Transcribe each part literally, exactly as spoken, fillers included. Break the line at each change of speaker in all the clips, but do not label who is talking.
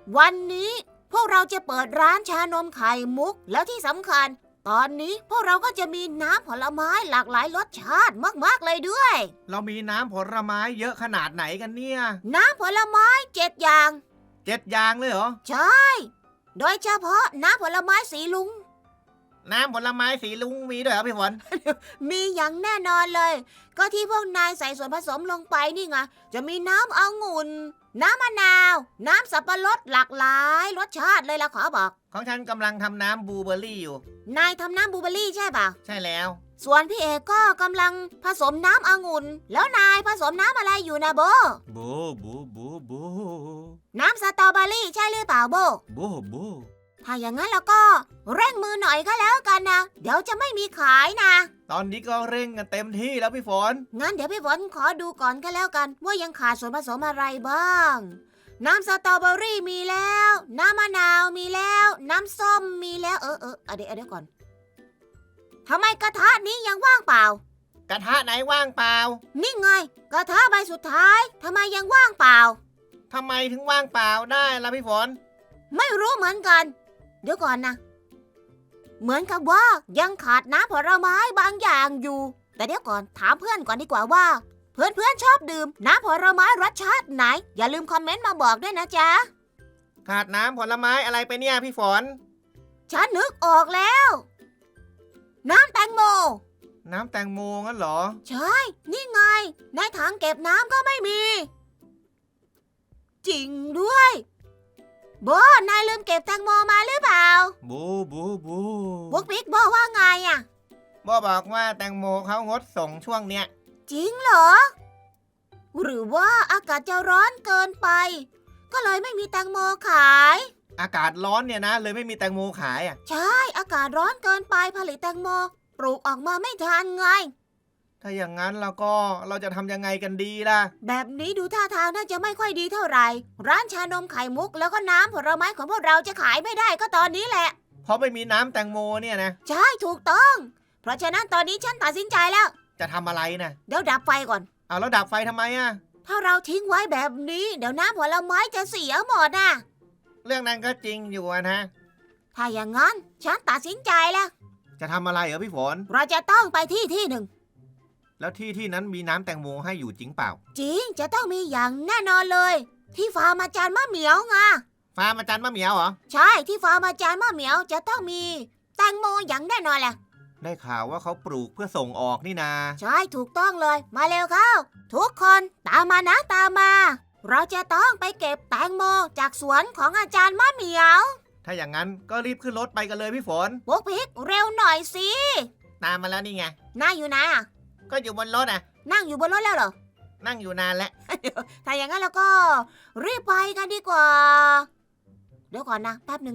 วันนี้พวกเราจะเปิดร้านชานมไข่มุกแล้วที่สำคัญตอนนี้พวกเราก็จะมีน้ำผลไม้หลากหลายรสชาติมากๆเลยด้วย
เรามีน้ำผลไม้เยอะขนาดไหนกันเนี่ย
น้ำผลไม้เจ็ดอย่าง
เจ็ดอย่างเลยเหรอ
ใช่โดยเฉพาะน้ำผลไม้สีลุง
น้ำผลไม้สีลุงมีด้วยเหรอพี่ฝน
มีอย่างแน่นอนเลย ก็ที่พวกนายใส่ส่วนผสมลงไปนี่ไงจะมีน้ำองุ่นน้ำมะนาวน้ำสับปะรดหลากหลายรสชาติเลยล่ะขอบอก
ของฉันกำลังทำน้ำบลูเบอร์รี่อยู่
นายทำน้ำบลูเบอร์รี่ใช่เปล่า
ใช่แล้ว
ส่วนพี่เอกก็กำลังผสมน้ำองุ่นแล้วนายผสมน้ำอะไรอยู่นะโบ
บูบูบูบู
น้ำสตรอเบอรี่ใช่หรือเปล่าโบ
บูบู
ถ้าอย่างนั้นแล้วก็เร่งมือหน่อยก็แล้วกันนะเดี๋ยวจะไม่มีขายนะ
ตอนนี้ก็เร่งกันเต็มที่แล้วพี่ฝน
งั้นเดี๋ยวพี่ฝนขอดูก่อนก็แล้วกันว่ายังขาดส่วนผสมอะไรบ้าง น้ำสตรอเบอรี่มีแล้ว น้ำมะนาวมีแล้ว น้ำส้มมีแล้วเออเออเอาเดี๋ยวเอาเดี๋ยวก่อนทำไมกระทะนี้ยังว่างเปล่า
กระทะไหนว่างเปล่า
นี่ไงกระทะใบสุดท้ายทำไมยังว่างเปล่า
ทำไมถึงว่างเปล่าได้ล่ะพี่ฝน
ไม่รู้เหมือนกัน เดี๋ยวก่อนนะ เหมือนกับว่ายังขาดน้ำผลไม้บางอย่างอยู่ แต่เดี๋ยวก่อนถามเพื่อนก่อนดีกว่าว่า เพื่อนเพื่อนชอบดื่มน้ำผลไม้รสชาติไหน อย่าลืมคอมเมนต์มาบอกด้วยนะจ๊ะ
ขาดน้ำผลไม้อะไรไปเนี่ยพี่ฝน
ฉันนึกออกแล้ว น้ำแตงโม
น้ำแตงโมงั้นเหรอ
ใช่ นี่ไง ในถังเก็บน้ำก็ไม่มี จริงด้วยโบนายลืมเก็บแตงโมมาหรือเปล่า
บูบูบู
บุ๊กบิ๊กบอกว่าไงอะ
บอบอกว่าแตงโมเขางดส่งช่วงเนี้ย
จริงเหรอ หรือว่าอากาศจะร้อนเกินไป ก็เลยไม่มีแตงโมขาย
อากาศร้อนเนี่ยนะเลยไม่มีแตงโมขายอ่ะ
ใช่ อากาศร้อนเกินไปผลิตแตงโมปลูกออกมาไม่ทันไง
ถ้าอย่างนั้นเราก็เราจะทำยังไงกันดีล่ะ
แบบนี้ดูท่าทางน่าจะไม่ค่อยดีเท่าไหร่ ร้านชานมไข่มุกแล้วก็น้ำผลไม้ของพวกเราจะขายไม่ได้ก็ตอนนี้แหละ
เพราะไม่มีน้ำแตงโมเนี่ยนะ
ใช่ถูกต้อง เพราะฉะนั้นตอนนี้ฉันตัดสินใจแล้ว
จะทำอะไรนะ
เดี๋ยวดับไฟก่อน
เอาแล้วดับไฟทำไมอ่ะ
ถ้าเราทิ้งไว้แบบนี้ เดี๋ยวน้ำผลไม้จะเสียหมดนะ
เรื่องนั้นก็จริงอยู่อะนะ
ถ้าอย่างนั้นฉันตัดสินใจแล้ว
จะทำอะไรเหรอพี่ฝน
เราจะต้องไปที่ที่หนึ่ง
แล้วที่ที่นั้นมีน้ำแตงโมให้อยู่จริงเปล่า
จริงจะต้องมีอย่างแน่นอนเลย ที่ฟาร์มอาจารย์มะเหมียวไง
ฟาร์มอาจารย์มะเหมียวเหรอ
ใช่ที่ฟาร์มอาจารย์มะเหมียวจะต้องมีแตงโมอย่างแน่นอนแหละ
ได้ข่าวว่าเขาปลูกเพื่อส่งออกนี่นา
ใช่ถูกต้องเลยมาเร็วเข้า ทุกคนตามมานะตามมา เราจะต้องไปเก็บแตงโมจากสวนของอาจารย์มะเหมียว
ถ้าอย่างนั้นก็รีบขึ้นรถไปกันเลยพี่ฝน
ปุ๊กพิกเร็วหน่อยสิ
ตามมาแล้วนี่ไง
นายอยู่ไหนอะ
ก็อยู่บนรถอ่ะ
นั่งอยู่บนรถแล้วเหรอ
นั่งอยู่นานแล้ว
ถ้าอย่างนั้นเราก็รีบไปกันดีกว่า เดี๋ยวก่อนนะแป๊บหนึ่ง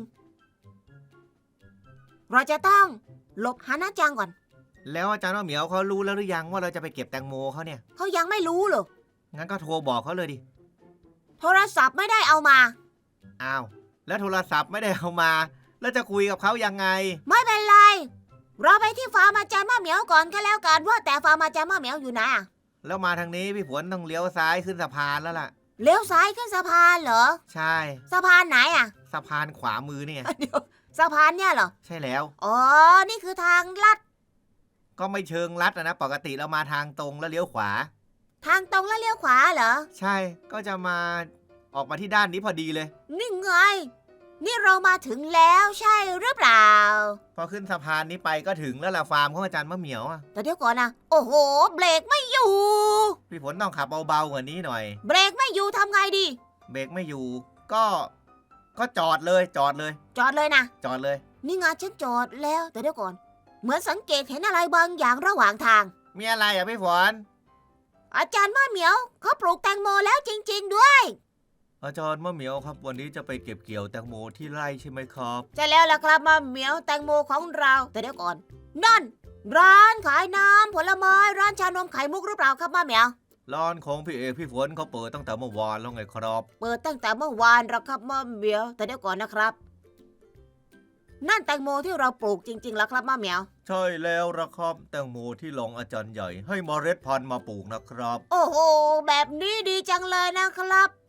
เราจะต้องหลบฮานาจังก่อน
แล้วอาจารย์มะเหมียวเขารู้แล้วหรือยังว่าเราจะไปเก็บแตงโมเขาเนี่ย
เขายังไม่รู้เหรอ
งั้นก็โทรบอกเขาเลยดิ
โทรศัพท์ไม่ได้เอามา
อ้าว แล้วโทรศัพท์ไม่ได้เอามา แล้วจะคุยกับเขายังไง
ไม่เป็นไร เราไปที่ฟาร์มอาจารย์มะเหมียวก่อนก็แล้วกันว่าแต่ฟาร์มอาจารย์มะเหมียวอยู่ไหนอะ
แล้วมาทางนี้พี่ฝนต้องเลี้ยวซ้ายขึ้นสะพานแล้วล่ะ
เลี้ยวซ้ายขึ้นสะพานเหรอ
ใช่
สะพานไหนอะ
สะพานขวามือเนี่ย
เดี๋ยวสะพานเนี่ยเหรอ
ใช่แล้ว
อ๋อ นี่คือทางลัด
ก็ไม่เชิงลัดอะนะ ปกติเรามาทางตรงแล้วเลี้ยวขวา
ทางตรงแล้วเลี้ยวขวาเหรอ
ใช่ ก็จะมาออกมาที่ด้านนี้พอดีเลย
นี่ไง นี่เรามาถึงแล้วใช่หรือเปล่า
พอขึ้นสะพานนี้ไปก็ถึงแล้วล่ะฟาร์มของอาจารย์มะเหมียวอะ
แต่เดี๋ยวก่อนนะ โอ้โห เบรกไม่อยู่
พี่ฝนต้องขับเบาๆกว่านี้หน่อย
เบรกไม่อยู่ทำไงดี
เบรกไม่อยู่ ก็ ก็จอดเลย จอดเลย
จอดเลยนะ
จอดเลย
นี่ไงฉันจอดแล้ว แต่เดี๋ยวก่อน เหมือนสังเกตเห็นอะไรบางอย่างระหว่างทาง
มีอะไรอ่ะพี่ฝน
อาจารย์มะเหมียวเขาปลูกแตงโมแล้วจริงๆด้วย
อาจารย์มะเหมียวครับวันนี้จะไปเก็บเกี่ยวแตงโมที่ไร่ใช่ไหมครับ
ใช่แล้วล่ะครับมะเหมียวแตงโมของเรา แต่เดี๋ยวก่อน นั่น ร้านขายน้ำผลไม้ร้านชานมไข่มุกหรือเปล่าครับมะเหมียว
ร้านของพี่เอกพี่ฝนเขาเปิดตั้งแต่เมื่อวานแล้วไงครับ
เปิดตั้งแต่เมื่อวานแล้วครับมะเหมียว แต่เดี๋ยวก่อนนะครับ นั่นแตงโมที่เราปลูกจริงๆแล้วครับมะเหมียว
ใช่แล้วละครับแตงโมที่รองอาจารย์ใหญ่ให้เมล็ดพันธุ์มาปลูกนะครับ
โอ้โห แบบนี้ดีจังเลยนะครับ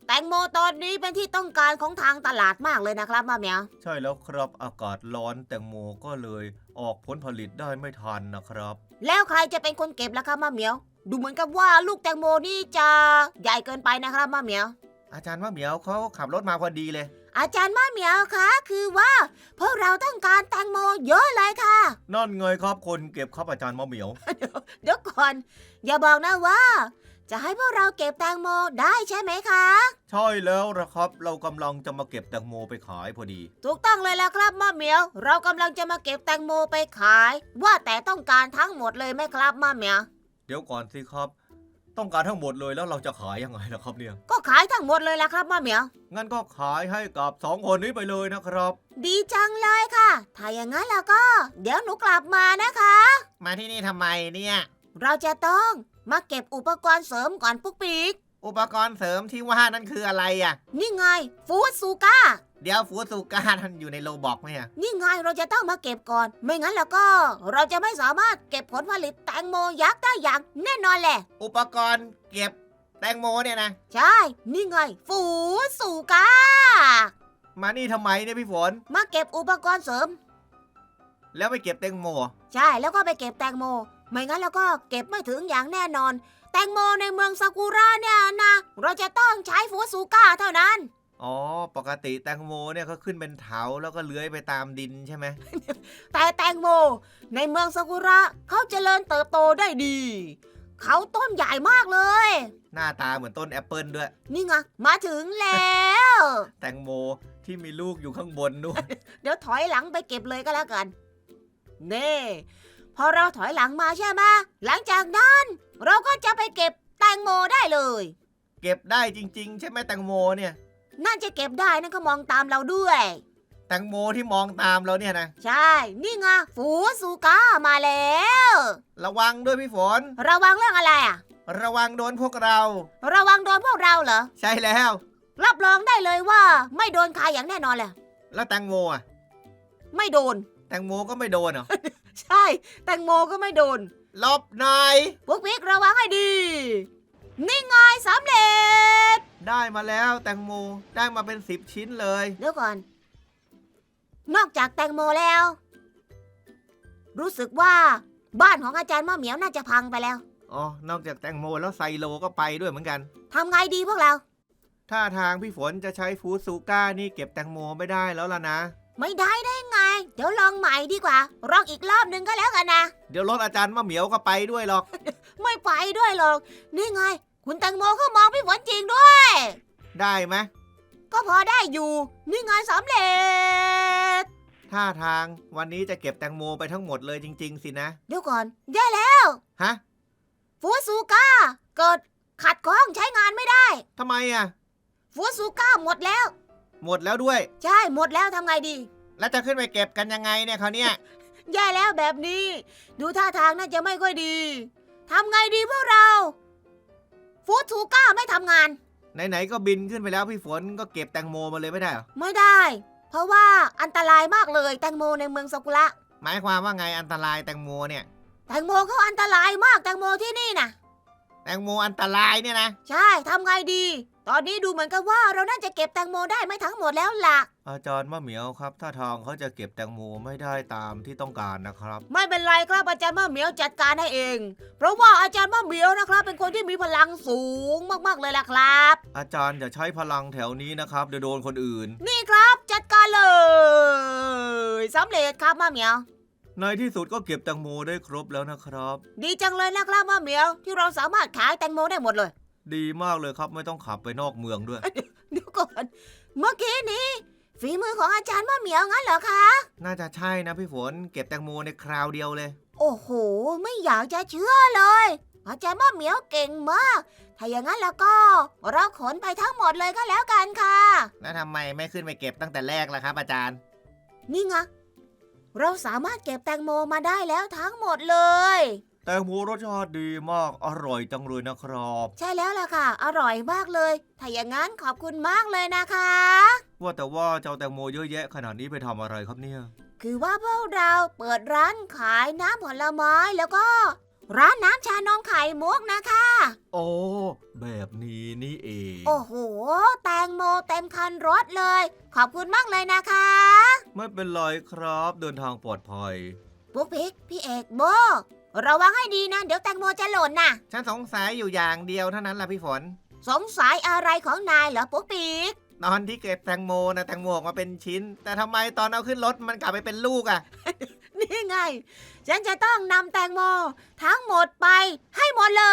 แตงโมตอนนี้เป็นที่ต้องการของทางตลาดมากเลยนะครับมะเหมียว
ใช่แล้วครับอากาศร้อนแตงโมก็เลยออกผลผลิตได้ไม่ทันนะครับ
แล้วใครจะเป็นคนเก็บล่ะครับมะเหมียว ดูเหมือนกับว่าลูกแตงโมนี่จะใหญ่เกินไปนะครับมะเหมียว
อาจารย์มะเหมียวเขาขับรถมาพอดีเลย
อาจารย์มะเหมียวคะคือว่าพวกเราต้องการแตงโมเยอะเลยค่ะ
นั่นไงครับคนเก็บครับอาจารย์มะเหมียว
เดี๋ยวก่อนอย่าบอกนะว่า จะให้พวกเราเก็บแตงโมได้ใช่ไหมคะ
ใช่แล้วนะครับ เรากำลังจะมาเก็บแตงโมไปขายพอดี
ถูกต้องเลยแล้วครับมะเหมียว เรากำลังจะมาเก็บแตงโมไปขาย ว่าแต่ต้องการทั้งหมดเลยไหมครับมะเหมียว
เดี๋ยวก่อนสิครับ ต้องการทั้งหมดเลยแล้วเราจะขายยังไงล่ะครับเนี่ย
ก็ขายทั้งหมดเลยละครับมะเหมียว
งั้นก็ขายให้กับสองคนนี้ไปเลยนะครับ
ดีจังเลยค่ะ ถ้าอย่างนั้นแล้วก็ เดี๋ยวหนูกลับมานะคะ
มาที่นี่ทำไมเนี่ย
เราจะต้องมาเก็บอุปกรณ์เสริมก่อนปุ๊กปิ๊ก
อุปกรณ์เสริมที่ว่านั่นคืออะไรอ่ะ
นี่ไงฟูดซูก้า
เดี๋ยวฟูซูก้าท่านอยู่ในโลบอกไหมอ่ะ
นี่ไงเราจะต้องมาเก็บก่อน ไม่งั้นแล้วก็ เราจะไม่สามารถเก็บผลผลิตแตงโมยักษ์ได้อย่างแน่นอนแหละ
อุปกรณ์เก็บแตงโมเนี่ยนะ
ใช่ นี่ไงฟูดซูก้า
มานี่ทำไมเนี่ยพี่ฝน
มาเก็บอุปกรณ์เสริม
แล้วไปเก็บแตงโม
ใช่แล้วก็ไปเก็บแตงโม ไม่งั้นแล้วก็เก็บไม่ถึงอย่างแน่นอน แตงโมในเมืองซากุระเนี่ยนะเราจะต้องใช้ฟูดซูก้าเท่านั้น
อ๋อ ปกติแตงโมเนี่ยเขาขึ้นเป็นเถาแล้วก็เลื้อยไปตามดินใช่ไหม
แต่แตงโมในเมืองซากุระเขาเจริญเติบโตได้ดี เขาต้นใหญ่มากเลย
หน้าตาเหมือนต้นแอปเปิลด้วย
นี่ไงมาถึงแล้ว
แตงโมที่มีลูกอยู่ข้างบนด้วย
เดี๋ยวถอยหลังไปเก็บเลยก็แล้วกันเน่พอเราถอยหลังมาใช่ไหมหลังจากนั้นเราก็จะไปเก็บแตงโมได้เลย
เก็บได้จริงๆ ใช่ไหมแตงโมเนี่ย
น่าจะเก็บได้นั่นก็มองตามเราด้วย
แตงโมที่มองตามเราเนี่ยนะ
ใช่ นี่ไงฟูซูก้ามาแล้ว
ระวังด้วยพี่ฝน
ระวังเรื่องอะไรอ่ะ
ระวังโดนพวกเรา
ระวังโดนพวกเราเหรอ
ใช่แล้ว
รับรองได้เลยว่าไม่โดนใครอย่างแน่นอนแหละ
แล้วแตงโมอ่ะ
ไม่โดน
แตงโมก็ไม่โดนเหรอ
ใช่ แตงโมก็ไม่โดน
หลบหน่อย
พวกพิกระวังให้ดี นี่ไงสำเร็จ
ได้มาแล้วแตงโมได้มาเป็นสิบชิ้นเลย
เดี๋ยวก่อน นอกจากแตงโมแล้ว รู้สึกว่าบ้านของอาจารย์มะเหมียวน่าจะพังไปแล้ว
อ๋อ นอกจากแตงโมแล้วไซโลก็ไปด้วยเหมือนกัน
ทำไงดีพวกเรา
ถ้าทางพี่ฝนจะใช้ฟูซูก้านี่เก็บแตงโมไม่ได้แล้วล่ะนะ
ไม่ได้ได้ไง เดี๋ยวลองใหม่ดีกว่าลองอีกรอบหนึ่งก็แล้วกันนะ
เดี๋ยวรถอาจารย์มะเหมียวก็ไปด้วยหรอก
ไม่ไปด้วยหรอก นี่ไง คุณแตงโมเขามองพี่ฝนจริงด้วย
ได้ไหม
ก็พอได้อยู่ นี่ไงสำเร็จ
ท่าทางวันนี้จะเก็บแตงโมไปทั้งหมดเลยจริงๆสินะ
เดี๋ยวก่อนแย่แล้ว
ฮะ
ฟูซูก้าเกิดขัดข้องใช้งานไม่ได้
ทำไมอ่ะ
ฟูซูก้าหมดแล้ว
หมดแล้วด้วย
ใช่หมดแล้วทำไงดี
แล้วจะขึ้นไปเก็บกันยังไงเนี่ยเขาวเนี่ย
แย่แล้วแบบนี้ ดูท่าทางน่าจะไม่ค่อยดีทำไงดีพวกเรา ฟูซูก้าไม่ทำงาน
ไหนๆก็บินขึ้นไปแล้วพี่ฝนก็เก็บแตงโมมาเลยไม่ได้เหรอ
ไม่ได้ เพราะว่าอันตรายมากเลยแตงโมในเมืองซากุระ
หมายความว่าไงอันตรายแตงโมเนี่ย
แตงโมเขาอันตรายมากแตงโมที่นี่นะ
แตงโมอันตรายเนี่ยนะ
ใช่ทำไงดี ตอนนี้ดูเหมือนกับว่าเราน่าจะเก็บแตงโมได้ไม่ทั้งหมดแล้วล่ะ
อาจารย์มะเหมียวครับถ้าทางเขาจะเก็บแตงโมไม่ได้ตามที่ต้องการนะครับ
ไม่เป็นไรครับอาจารย์มะเหมียวจัดการให้เอง เพราะว่าอาจารย์มะเหมียวนะครับ เป็นคนที่มีพลังสูงมากๆเลยล่ะครับ
อาจารย์อย่าใช้พลังแถวนี้นะครับเดี๋ยวโดนคนอื่น
นี่ครับจัดการเลยสำเร็จครับมะเหมียว
ในที่สุดก็เก็บแตงโมได้ครบแล้วนะครับ
ดีจังเลยนะครับมะเหมียวที่เราสามารถขายแตงโมได้หมดเลย
ดีมากเลยครับไม่ต้องขับไปนอกเมืองด้วย
เดี๋ยวก่อนเมื่อกี้นี้ฝีมือของอาจารย์มะเหมียวงั้นเหรอคะ
น่าจะใช่นะพี่ฝนเก็บแตงโมในคราวเดียวเลย
โอ้โหไม่อยากจะเชื่อเลย อาจารย์มะเหมียวเก่งมาก ถ้าอย่างนั้นแล้วก็เราขนไปทั้งหมดเลยก็แล้วกันค่ะ
แล้วทำไมไม่ขึ้นไปเก็บตั้งแต่แรกล่ะครับอาจารย์
นี่ไงเราสามารถเก็บแตงโมมาได้แล้วทั้งหมดเลย
แตงโมรสชาติดีมากอร่อยจังเลยนะครับ
ใช่แล้วล่ะค่ะ อร่อยมากเลย ถ้าอย่างนั้นขอบคุณมากเลยนะคะ
ว่าแต่ว่าเจ้าแตงโมเยอะแยะขนาดนี้ไปทำอะไรครับเนี่ย
คือว่าพวกเราเปิดร้านขายน้ำผลไม้แล้วก็ร้านน้ำชานมไข่มุกนะคะ
โอ้แบบนี้นี่เอง
โอ้โหแตงโมเต็มคันรถเลย ขอบคุณมากเลยนะคะ
ไม่เป็นไรครับเดินทางปลอดภัย
ปุ๊กปิ๊กพี่เอกโบระวังให้ดีนะเดี๋ยวแตงโมจะหล่นนะ
ฉันสงสัยอยู่อย่างเดียวเท่านั้นล่ะพี่ฝน
สงสัยอะไรของนายเหรอปุ๊กปิ๊ก
ตอนที่เก็บแตงโมนะแตงโมออกมาเป็นชิ้น แต่ทำไมตอนเอาขึ้นรถมันกลับไปเป็นลูกอะ่ะ
นี่ไง ฉันจะต้องนำแตงโมทั้งหมดไปให้หมดเลย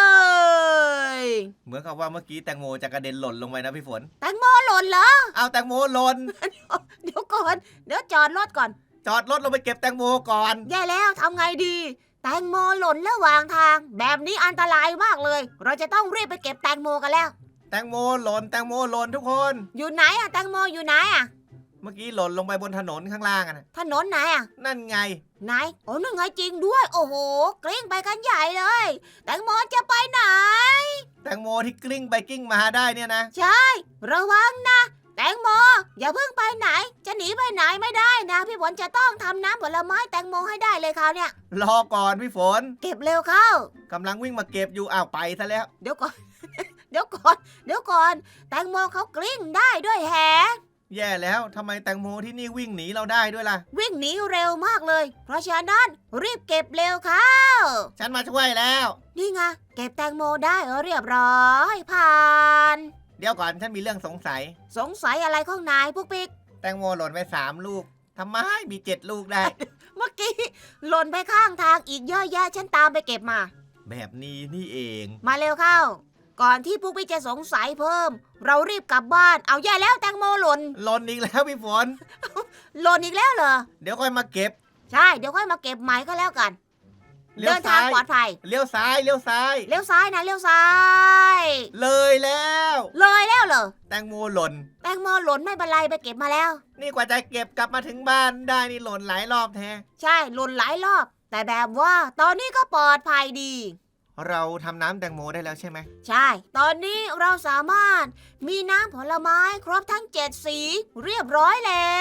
เหมือนกับว่าเมื่อกี้แตงโมจะกระเด็นหล่นลงไปนะพี่ฝน
แตงโมหล่นเหรอ
เอาแตงโมหล่น
เดี๋ยวก่อนเดี๋ยวจอดรถก่อน
จอดรถลงไปเก็บแตงโมก่อน
แย่แล้วทำไงดี แตงโมหล่นระหว่างทาง แบบนี้อันตรายมากเลย เราจะต้องรีบไปเก็บแตงโมกันแล้ว
แตงโมหล่นแตงโมหล่นทุกคน
อยู่ไหนอะแตงโมอยู่ไหนอะ
เมื่อกี้หล่นลงไปบนถนนข้างล่างอะนะ
ถนนไหนอะ
นั่นไง
ไหนโอ้นั่นไงจริงด้วย โอ้โหกลิ้งไปกันใหญ่เลย แตงโมจะไปไหน
แตงโมที่กลิ้งไปกลิ้งมาได้เนี่ยนะ
ใช่ ระวังนะ แตงโมอย่าเพิ่งไปไหน จะหนีไปไหนไม่ได้นะ พี่ฝนจะต้องทำน้ำผลไม้แตงโมให้ได้เลยคราวเนี้ย
รอก่อนพี่ฝน
เก็บเร็วเข้าก
ำลังวิ่งมาเก็บอยู่อ้าวไปซะแล้ว
เดี๋ยวก่อน เดี๋ยวก่อน เดี๋ยวก่อน แตงโมเขากลิ้งได้ด้วยแฮะ
แย่แล้วทำไมแตงโมที่นี่วิ่งหนีเราได้ด้วยล่ะ
วิ่งหนีเร็วมากเลย เพราะฉะนั้นรีบเก็บเร็วเข้า
ฉันมาช่วยแล้ว
นี่ไงเก็บแตงโมได้เรียบร้อยผ่าน
เดี๋ยวก่อนฉันมีเรื่องสงสัย
สงสัยอะไรของนายพวกปิ๊ก
แตงโมหล่นไปสามลูกทำไมมีเจ็ดลูกได้
เมื่อกี้หล่นไปข้างทางอีกเยอะแยะฉันตามไปเก็บมา
แบบนี้นี่เอง
มาเร็วเข้า ก่อนที่พวกพี่จะสงสัยเพิ่ม เรารีบกลับบ้าน เอาแย่แล้วแตงโมหล่น
หล่นอีกแล้วพี่ฝน
หล่นอีกแล้วเหรอ
เดี๋ยวค่อยมาเก็บ
ใช่ เดี๋ยวค่อยมาเก็บใหม่ก็แล้วกัน
เลี้ยว
เดินทาง
ซ้าย
ปลอดภัย
เลี้ยวซ้ายเลี้ยวซ้าย
เลี้ยวซ้ายนะเลี้ยวซ้าย
เลยแล้ว
เลยแล้วเหรอ
แตงโมหล่น
แตงโมหล่นไม่เป็นไรไปเก็บมาแล้ว
นี่กว่าจะเก็บกลับมาถึงบ้านได้นี่หล่นหลายรอบแท้
ใช่หล่นหลายรอบ แต่แบบว่าตอนนี้ก็ปลอดภัยดี
เราทำน้ำแตงโมได้แล้วใช่ไหม
ใช่ ตอนนี้เราสามารถมีน้ำผลไม้ครบทั้งเจ็ดสีเรียบร้อยแล้ว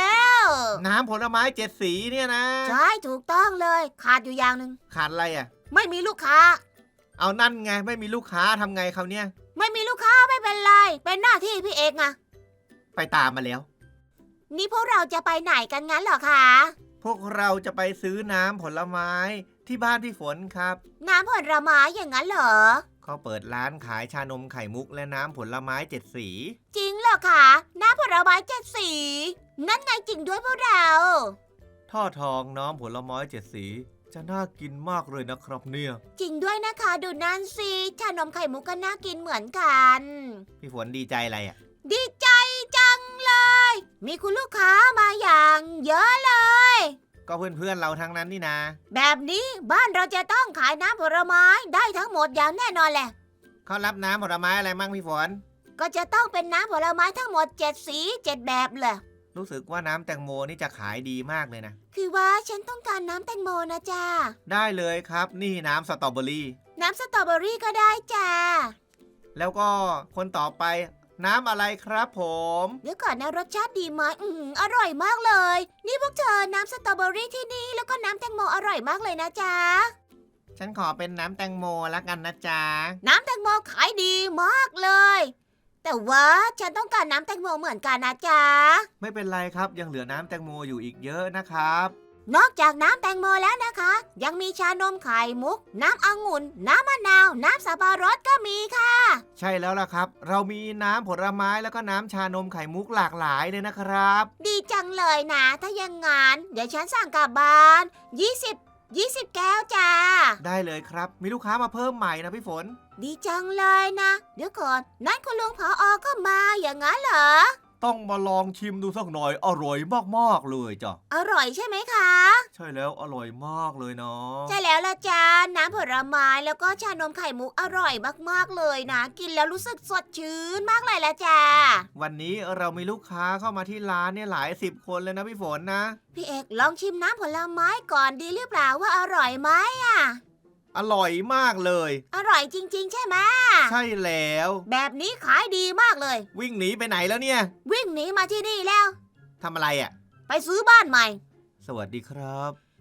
น้ำผลไม้เจ็ดสีเนี่ยนะ
ใช่ถูกต้องเลย ขาดอยู่อย่างหนึ่ง
ขาดอะไรอ่ะ
ไม่มีลูกค้า
เอานั่นไงไม่มีลูกค้าทำไงเขาวเนี่ย
ไม่มีลูกค้าไม่เป็นไร เป็นหน้าที่พี่เอกไง
ไปตามมาแล้ว
นี่พวกเราจะไปไหนกันงั้นเหรอคะ
พวกเราจะไปซื้อน้ำผลไม้ที่บ้านพี่ฝนครับ
น้ำผลไม้อย่างนั้นเหรอ
เขาเปิดร้านขายชานมไข่มุกและน้ำผลไม้เจ็ดสี
จริงเหรอคะน้ำผลไม้เจ็ดสี นั่นไงจริงด้วยพวกเรา
ท่อทองน้ำผลไม้เจ็ดสี จะน่ากินมากเลยนะครับเนี่ย
จริงด้วยนะคะดูนั่นสิชานมไข่มุกก็น่ากินเหมือนกัน
พี่ฝนดีใจอะไรอ่ะ
ดีใจจังเลย มีคุณลูกค้ามาอย่างเยอะเลย
ก็เพื่อนๆเราทั้งนั้นนี่นะ
แบบนี้บ้านเราจะต้องขายน้ำผลไม้ได้ทั้งหมดอย่างแน่นอนแหละ
เขารับน้ำผลไม้อะไรมั่งพี่ฝน
ก็จะต้องเป็นน้ำผลไม้ทั้งหมดเจ็ดสีเจ็ดแบบเลย
รู้สึกว่าน้ำแตงโมนี่จะขายดีมากเลยนะ
คือว่าฉันต้องการน้ำแตงโมนะจ้า
ได้เลยครับ นี่น้ำสตรอเบอรี่
น้ำสตรอเบอรี่ก็ได้จ้า
แล้วก็คนต่อไปน้ำอะไรครับผม
เดี๋ยวก่อนนะรสชาติดีไหมอือหืออร่อยมากเลย นี่พวกเธอน้ำสตรอเบอรี่ที่นี่แล้วก็น้ำแตงโมอร่อยมากเลยนะจ๊ะ
ฉันขอเป็นน้ำแตงโมละกันนะจ๊ะ
น้ำแตงโมขายดีมากเลย แต่ว่าฉันต้องการน้ำแตงโมเหมือนกันนะจ๊ะ
ไม่เป็นไรครับยังเหลือน้ำแตงโมอยู่อีกเยอะนะครับ
นอกจากน้ำแตงโมแล้วนะคะ ยังมีชานมไข่มุก น้ำองุ่น น้ำมะนาว น้ำสับปะรดก็มีค่ะ
ใช่แล้วล่ะครับ เรามีน้ำผลไม้แล้วก็น้ำชานมไข่มุกหลากหลายเลยนะครับ
ดีจังเลยนะ ถ้าอย่างงั้นเดี๋ยวฉันสั่งกลับบ้านยี่สิบ ยี่สิบแก้วจ้า
ได้เลยครับ มีลูกค้ามาเพิ่มใหม่นะพี่ฝน
ดีจังเลยนะ เดี๋ยวก่อนนั่นคุณลุงผออก็มาอย่างนั้นเหรอ
ต้องมาลองชิมดูสักหน่อยอร่อยมากๆเลยจ้ะ
อร่อยใช่ไหมคะ
ใช่แล้วอร่อยมากเลยเนาะ
ใช่แล้วละจ้าน้ำผลไม้แล้วก็ชานมไข่มุกอร่อยมากๆเลยนะ กินแล้วรู้สึกสดชื่นมากเลยละจ้า
วันนี้เรามีลูกค้าเข้ามาที่ร้านเนี่ยหลายสิบคนเลยนะพี่ฝนนะ
พี่เอกลองชิมน้ำผลไม้ก่อนดีหรือเปล่าว่าอร่อยไหมอ่ะ
อร่อยมากเลย
อร่อยจริงๆใช่ไหม
ใช่แล้ว
แบบนี้ขายดีมากเลย
วิ่งหนีไปไหนแล้วเนี่ย
วิ่งหนีมาที่นี่แล้ว
ทำอะไรอ่ะ
ไปซื้อบ้านใหม่
สวัสดีครับ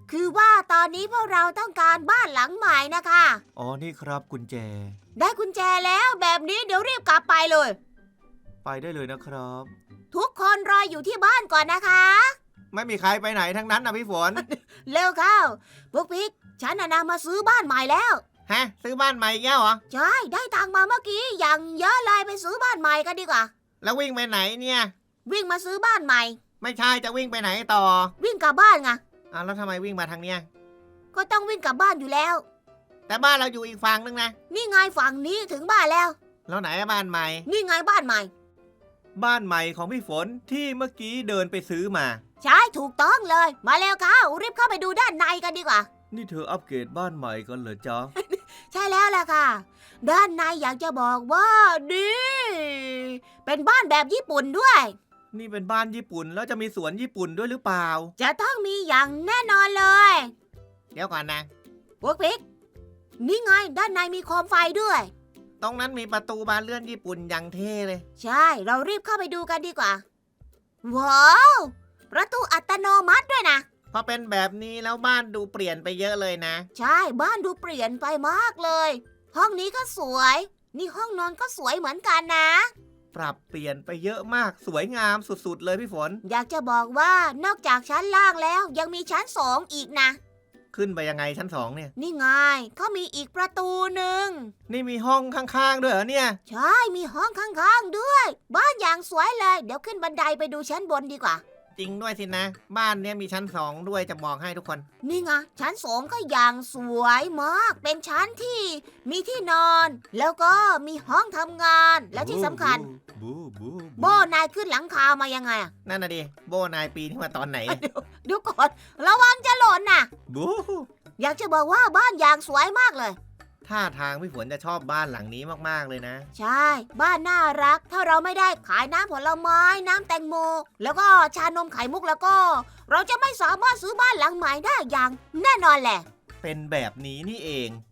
คือว่าตอนนี้พวกเราต้องการบ้านหลังใหม่นะคะ
อ๋อนี่ครับกุญแจ
ได้กุญแจแล้วแบบนี้เดี๋ยวรีบกลับไปเลย
ไปได้เลยนะครับ
ทุกคนรออยู่ที่บ้านก่อนนะคะ
ไม่มีใครไปไหนทั้งนั้นนะพี่ฝน
เร็วเข้าพวกพิกฉันน่ะนะมาซื้อบ้านใหม่แล้ว
ฮะ ซื้อบ้านใหม่อีกแล้วเหรอ
ใช่ได้ตังค์มาเมื่อกี้อย่างเยอะเลยไปซื้อบ้านใหม่กันดีกว่า
แล้ววิ่งไปไหนเนี่ย
วิ่งมาซื้อบ้านใหม่
ไม่ใช่จะวิ่งไปไหนต่อ
วิ่งกลับบ้านไง
อ้าวแล้วทำไมวิ่งมาทางเนี้ย
ก็ต้องวิ่งกลับบ้านอยู่แล้ว
แต่บ้านเราอยู่อีกฝั่งนึงนะ
นี่ไงฝั่งนี้ถึงบ้านแล้ว
แล้วไหนอะบ้านใหม่
นี่ไงบ้านใหม่
บ้านใหม่ของพี่ฝนที่เมื่อกี้เดินไปซื้อมา
ใช่ถูกต้องเลย มาแล้วเข้ารีบเข้าไปดูด้านในกันดีกว่า
นี่เธออัปเกรดบ้านใหม่กันเหรอจ๊ะ
ใช่แล้วล่ะค่ะ ด้านในอยากจะบอกว่าดีเป็นบ้านแบบญี่ปุ่นด้วย
นี่เป็นบ้านญี่ปุ่นแล้วจะมีสวนญี่ปุ่นด้วยหรือเปล่า
จะต้องมีอย่างแน่นอนเลย
เดี๋ยวก่อนนะ
พวกพิกนี่ไงด้านในมีโคมไฟด้วย
ตรงนั้นมีประตูบานเลื่อนญี่ปุ่นอย่างเท่เลย
ใช่เรารีบเข้าไปดูกันดีกว่า ว้าว ประตูอัตโนมัติด้วยนะ
พอเป็นแบบนี้แล้วบ้านดูเปลี่ยนไปเยอะเลยนะ
ใช่บ้านดูเปลี่ยนไปมากเลย ห้องนี้ก็สวย นี่ห้องนอนก็สวยเหมือนกันนะ
ปรับเปลี่ยนไปเยอะมากสวยงามสุดๆเลยพี่ฝน
อยากจะบอกว่านอกจากชั้นล่างแล้วยังมีชั้นสองอีกนะ
ขึ้นไปยังไงชั้นสองเนี่ย
นี่ไงเขามีอีกประตูหนึ่ง
นี่มีห้องข้างๆด้วยเหรอเนี่ย
ใช่มีห้องข้างๆด้วย บ้านอย่างสวยเลย เดี๋ยวขึ้นบันไดไปดูชั้นบนดีกว่า
จริงด้วยสินะ บ้านเนี้ยมีชั้นสองด้วยจะบอกให้ทุกคน
นี่ไงชั้นสองก็อย่างสวยมาก เป็นชั้นที่มีที่นอน แล้วก็มีห้องทำงาน และที่สำคัญ
บูบู
โบนายขึ้นหลังคามายังไงอะ
นั่นน่ะดิโบนายปีนขึ้นมาตอนไหน
เดี๋ยวก่อนระวังจะหล่นนะ
บู
อยากจะบอกว่าบ้านอย่างสวยมากเลย
ท่าทางพี่ฝนจะชอบบ้านหลังนี้มากๆเลยนะ
ใช่ บ้านน่ารัก ถ้าเราไม่ได้ขายน้ำผลไม้ น้ำแตงโม แล้วก็ชานมไข่มุกแล้วก็ เราจะไม่สามารถซื้อบ้านหลังใหม่ได้อย่างแน่นอนแหละ
เป็นแบบนี้นี่เอง